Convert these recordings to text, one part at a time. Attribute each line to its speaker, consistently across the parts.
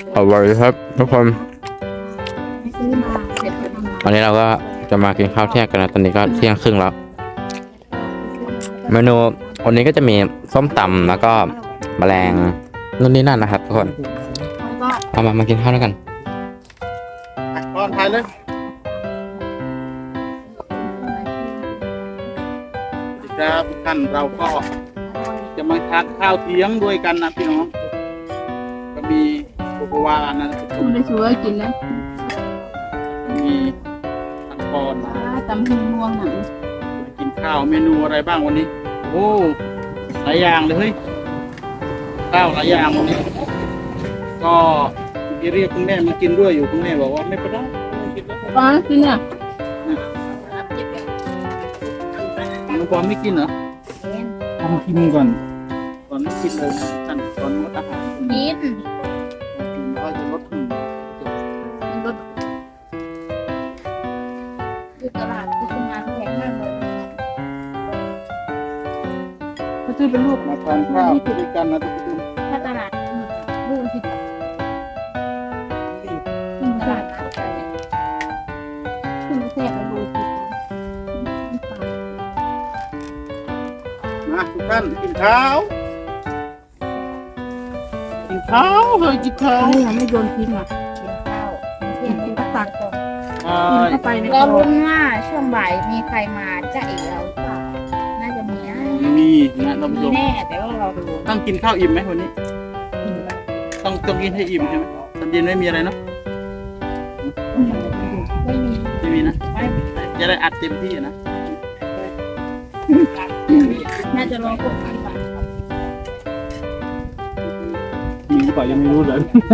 Speaker 1: อร่อยครับทุกคน
Speaker 2: ซื้อมาเสร็จแล้วทำมา
Speaker 1: วันนี้เราก็จะมากินข้าวเที่ยงกันนะตอนนี้ก็เที่ยงครึ่งแล้ว เมนูวันนี้ก็จะมีส้มตำแล้วก็แมลงนู่นนี่นั่นนะครับทุกคน
Speaker 2: แล้วก็
Speaker 1: เอามากินข้าวด้วยกัน
Speaker 3: ก่อนถ่ายเลยสวัสดีครับทุกท่านเราก็จะมาทานข้าวเที่ยงด้วยกันนะพี่น้องก็มีโกโกวานะทุกค
Speaker 2: คุ
Speaker 3: น
Speaker 2: ณได้ช่วยกินแล้ว
Speaker 3: มีทังกอนนะ
Speaker 2: ตำหิงม่วงหนัง
Speaker 3: มากินข้าวเมนูอะไรบ้างวันนี้โอ้หลายอย่างเลยเฮ้ยข้าวหลายอย่างวันนี้ก็เรียกคุณแม่มากินด้วยอยู่คุณแม่บอกว่าไม่เป็นไรไม่กินแล้ว
Speaker 2: ป้ากินเนี่ย
Speaker 3: น้องปอนไม่กินเหรอทำกินก่อนก่อนไม่กินเลยท่านก่อนงดอาหาร
Speaker 2: กิน
Speaker 3: กินก็จะลดหุ่น
Speaker 2: มันก็อยู่ตลาดที่ทำงานแพงมากเลยเขาซื้อเป็นลูก
Speaker 3: มาทานข้าวด้วยกันนะทุกคน
Speaker 2: ถ้าตลาดลูกสิบตลาดนัดกันเนี่ยคุณไม่แซ่บไปดูสิ
Speaker 3: มาทุกท่านกินข้าวกินข้าวเฮ้ยกินข้าว
Speaker 2: เขายังไม่โยนทิ้งอ่ะกินข้าวเที่ยงกินตักก่อน
Speaker 3: ใช่
Speaker 2: กินเข้าไปใน
Speaker 4: เราลุ้นว่าช่วงบ่ายมีใครมาจะเอกเราหรือเปล่าน่าจะมีนะ
Speaker 3: มีนะท่านผู้ช
Speaker 4: มี
Speaker 3: ม
Speaker 4: แน่แต่ว่าเราดู
Speaker 3: ต้องกินข้าวอิ่มไหมวันนี้ต้องกินให้อิ่มใช่ไหมตอนเย็นไม่มีอะไรเนาะ
Speaker 4: ไม่มี
Speaker 3: ไม่มีนะจะได้อัดเต็มที่นะ
Speaker 4: น่าจะรอพวกนี้ก่อน
Speaker 3: มีหรือเปล่ายังไม่รู้เลย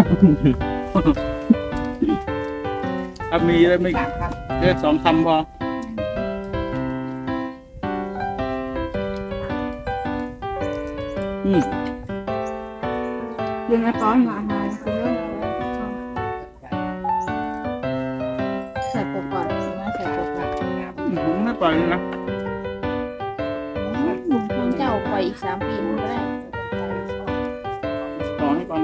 Speaker 3: ถ้ามีแล้วไม่แค่2 คำพออืม
Speaker 2: เรื่องไอ้ป้อนมาอาหารคือเรื่องใส่ปกก่อนนะใส่ปกก่อน
Speaker 3: ไม่ปล่อยเลยนะ
Speaker 4: น้องเจ้าปล่อยอีก3 ปีมันก็ได้
Speaker 3: ต่อให้ก่อน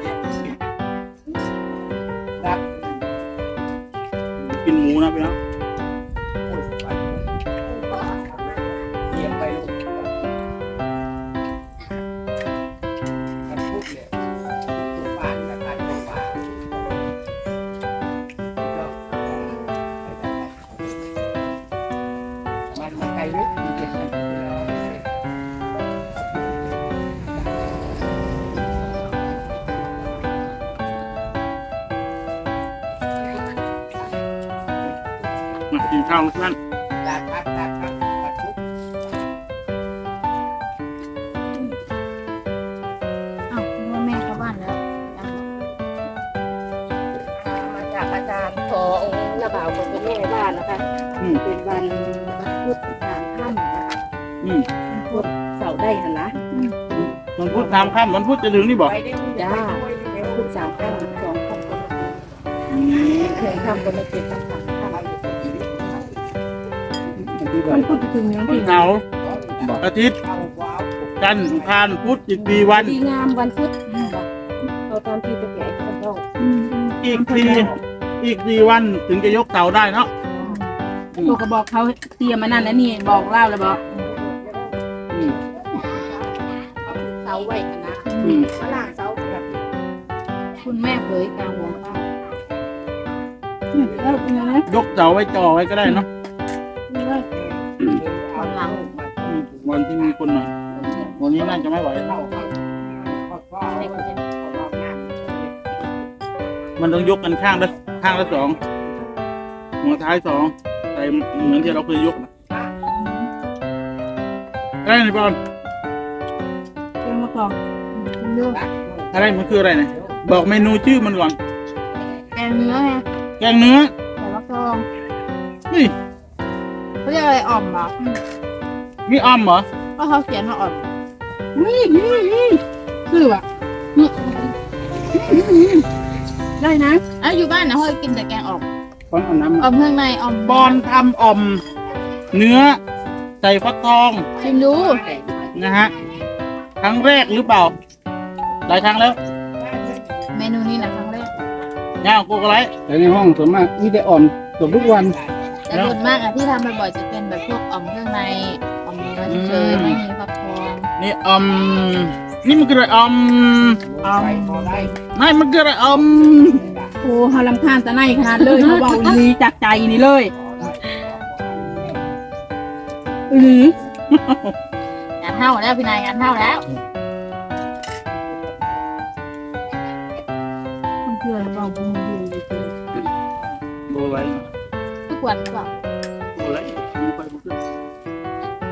Speaker 3: กินหมูนะพี่น้องมากินข้าวทุกท่าน
Speaker 4: อ้าวนึกว่าแม่เข้าบ้านแล้ว
Speaker 2: มาจากอาจารย์ขอองค์ระบ่าวของคุณแม่บ้านนะคะ
Speaker 3: อืม
Speaker 2: เป็นวันพุธทางค่ำนะคะ
Speaker 3: อืม
Speaker 2: วันพุธเสาร์ได้หันนะ
Speaker 3: วันพุธตามค่ำวันพุธจะถึงนี่บอก
Speaker 2: จ้าพุธสามค่ำ2 ค่ำก็มาเคยค่ำก็มาเจ็ดค่ำค่ำมันพุธจะถึงยัง
Speaker 3: พุ
Speaker 2: ที่
Speaker 3: ธเสาร์อาทิตย์จันทร์อังคารพุธอีก4 วัน
Speaker 2: ดีงามวันพุธเราตามที่ไปแก่คนต้อง
Speaker 3: อีก 4 วันถึงจะยกเสาได้เนาะ
Speaker 2: ตัวก็บอกเขาเตรียมมานั่นแล้วนี่บอกเล่าแล้วบอก
Speaker 3: อืม
Speaker 2: เสาไว้กันนะ
Speaker 3: อืม
Speaker 2: ฝรั่งเสาแบบคุณแม่เผยกลางวงข้าวแล้วเป็นยังไง
Speaker 3: ยกเสาไว้จ่อไว้ก็ได้เนาะ
Speaker 2: คนหลัง
Speaker 3: อืมวันที่มีคนหน่อยวันนี้น่าจะไม่ไหวมันต้องยกกันข้างละ2 หัวท้าย2ใส่เหมือนที่เราเคยยกนะอะไรนี่บอล
Speaker 2: เรื่องมาก่อนเรื่อง
Speaker 3: อะไรมันคืออะไรเนี่ยบอกเมนูชื่อมันก่อน
Speaker 2: แกงเนื้อไง
Speaker 3: แกงเนื้อ
Speaker 2: แต่ว่าทอง
Speaker 3: นี่
Speaker 2: เขาเรียกอะไรอ่อมเหรอ
Speaker 3: มีอ้อมเหรอ
Speaker 2: ก็เขาเขียนว่าอ่อมคืออ่ะได้นะ
Speaker 4: อ้าวอยู่บ้านนะเฮ้ยกินแต่แกงออก
Speaker 3: บอลเอาน้ำ
Speaker 4: ออมเครื่องในออม
Speaker 3: บอลทำอ่อม เนื้อ ใส่ฟักทอง
Speaker 4: ชิมดู
Speaker 3: นะฮะครั้งแรกหรือเปล่าหลายครั้งแล้ว
Speaker 4: เมนูนี่นะครั้งแรก
Speaker 3: ย่างโกกอะไร
Speaker 5: แต่ในห้องส่วนมากมีแต่อ่อมตัวทุกวัน
Speaker 4: แต่ส่วนมากอะที่ทำบ่อยๆจะเป็นแบบพวกอ่อมเครื่องในอ่อมเนื้อเฉยๆไม่มีฟักทอง
Speaker 3: นี่นี่มันคืออะไรไม่มันคืออะไร
Speaker 2: โอ้เฮาลำคาญตะไนขนาดเลยเขาเว้าอีหลีจากใจนี่เลยอือง
Speaker 4: านเท่าแล้วพี่นายงานเท่าแล้ว
Speaker 2: มันคืออะไรเว้าบ่รู้เรื่องจริง
Speaker 3: โกอะไร
Speaker 4: ทุกวันหรือเปล่า
Speaker 3: โกอะไรดูไปดูขึ้น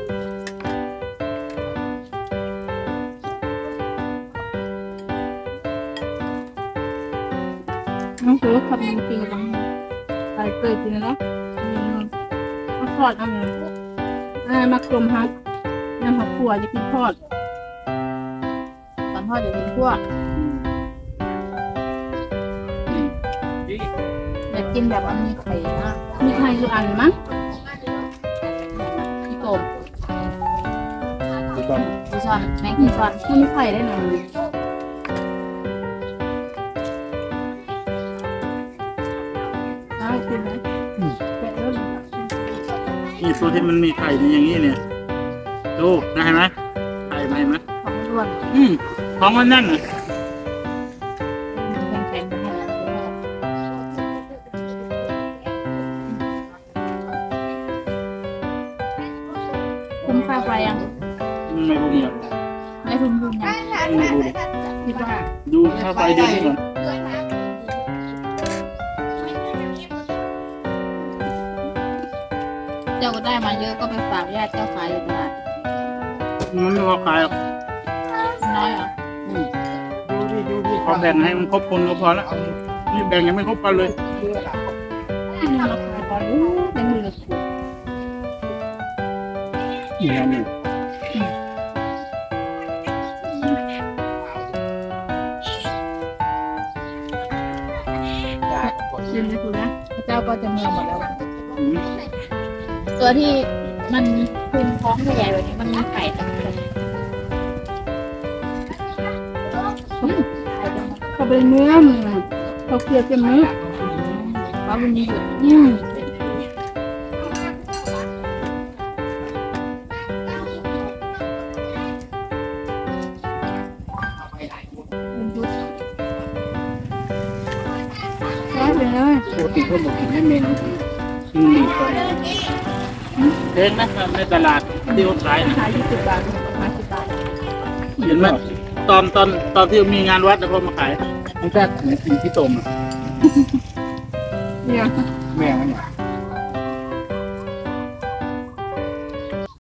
Speaker 2: น้องคือขับจริงๆจังไปเกิดจริงเนาะเขาทอดมักลมฮักน้ำผักขั่วจะกินทอด
Speaker 4: ตอนทอดอยู่เป็นพวกอยากกินแบบมันมีไข่มาก
Speaker 2: มีไข่อยู่อันมั้ง
Speaker 4: พี่โกม
Speaker 5: ถูกต้อง
Speaker 4: พี่ซอนแมงพี่ซอน
Speaker 2: มันมีไข่ได้หน่อยได้กินไหมแกะแล้ว
Speaker 3: นี่ตัวที่มันมีไข่นี่อย่างนี้เนี่ยดูนะเห็นไหมไข่ไหมเห็นไหม
Speaker 4: ของร่วน
Speaker 3: ท้องมันนั่นน่ะ
Speaker 4: แข็งๆไปหมดคุ้มค่าไฟยัง
Speaker 3: ไม่รู้เนี่ย
Speaker 4: ไม่ทุ่มทุนยัง
Speaker 3: ไม่รู้เลย
Speaker 2: คิดว่า
Speaker 3: ดูค่าไฟเดือนนี้ก่อน
Speaker 4: เจ้าก็ได้มาเยอะก็ไปฝากญาติเจ้าขายอยู่ตลาด
Speaker 3: มันไม่พอขายหรอก
Speaker 4: น้อยเหรอ
Speaker 3: พอแบ่งให้มันครบคนก็พอแล้วนี่แบ่งยังไม่ครบกันเลย
Speaker 2: ราคาตอนนี้เป็นมือละขวด
Speaker 5: นี่นะนี่
Speaker 2: เย็นเลยคุณนะ
Speaker 4: พระเจ้าก็จะเมืองหมดแล้ว
Speaker 3: อืม
Speaker 4: ตัวที่มันคุมท้องใหญ่ๆแบบนี้มันมีไข่แต่ไข่จัง
Speaker 2: เขาเป็นเนื้อมันเขาเคี่ยวเป็นเนื้อ
Speaker 4: เพราะมันมีหยุด
Speaker 2: อืม
Speaker 4: มันหยุด
Speaker 2: ได้ไปเลย
Speaker 5: ปกติเขาบอกกินให้เมนูดีกว่า
Speaker 3: เองนะในตลาดที่เขาขายนะ
Speaker 2: ขาย20 บาท50 บาท
Speaker 3: เห็นไหมตอนที่มีงานวัดแล้วเขามาขาย
Speaker 5: ไม่ใช่เหมือนกินที่ต้มอะ
Speaker 2: เนี่ย
Speaker 5: แม่มันเนี่ย